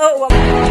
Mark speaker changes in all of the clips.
Speaker 1: Oh,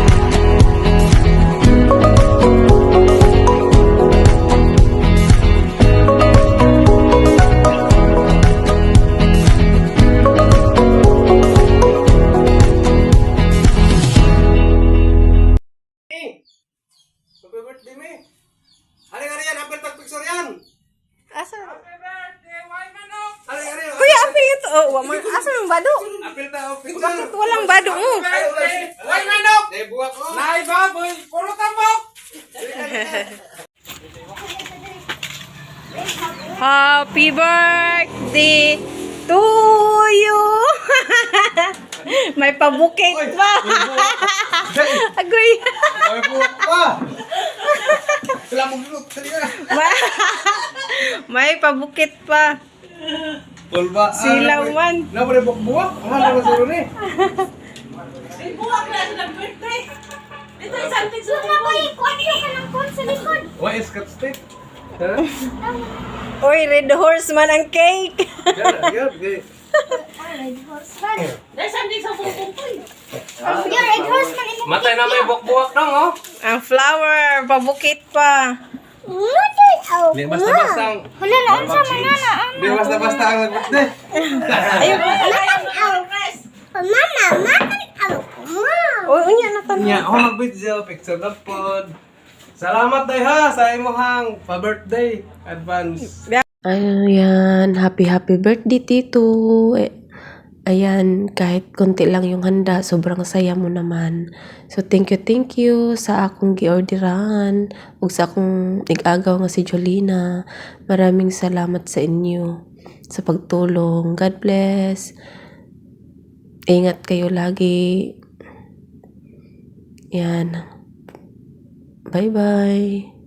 Speaker 2: Happy birthday, me. Hari-hari yan, hampir tag-picture yan.
Speaker 1: asa?
Speaker 2: Happy birthday, my manok. Hari-hari.
Speaker 1: Kuya, apa ito? Oh, asa yung bado?
Speaker 2: Hampir tag picture.
Speaker 1: Bakit walang bado mo?
Speaker 2: Why manok? Dahil buwak ko. Nay baboy, puro tambok.
Speaker 1: Happy birthday to you. May pabukit pa. Agoy.
Speaker 2: May buwak pa. Sila mo gulot.
Speaker 1: May pabukit pa.
Speaker 2: Tulba.
Speaker 1: Silaw man.
Speaker 2: Na mo buwak? Aman na masuro ni.
Speaker 3: Buwak na sa birthday. Ito isang picture na ba? Kuha niyo ka ng phone sa likod.
Speaker 2: Why is cut stick? Ha?
Speaker 1: Oy, red horse man ang cake.
Speaker 2: Yan, guys.
Speaker 3: Red horse man. Dahil saan din sa bukong ko eh. Yung red horse man.
Speaker 2: Matay na may buwak dong, oh.
Speaker 1: Ang flower, pabukit pa.
Speaker 2: Di basta-basta ang...
Speaker 3: Wala na, ang sama na na.
Speaker 2: Di basta-basta ang birthday.
Speaker 1: Ayun.
Speaker 3: Mama.
Speaker 1: Oy, unya na tanong.
Speaker 2: Nya, ako mag-video, picture na pod. Salamat day ha sa imuhang pa-birthday advance.
Speaker 4: Ayan, happy birthday Tito. Ayan, kahit konti lang yung handa, sobrang saya mo naman. So thank you sa akong giorderan ug sa akong nag-agaw nga si Jolina. Maraming salamat sa inyo sa pagtulong. God bless. Ingat kayo lagi. Yan. Bye-bye.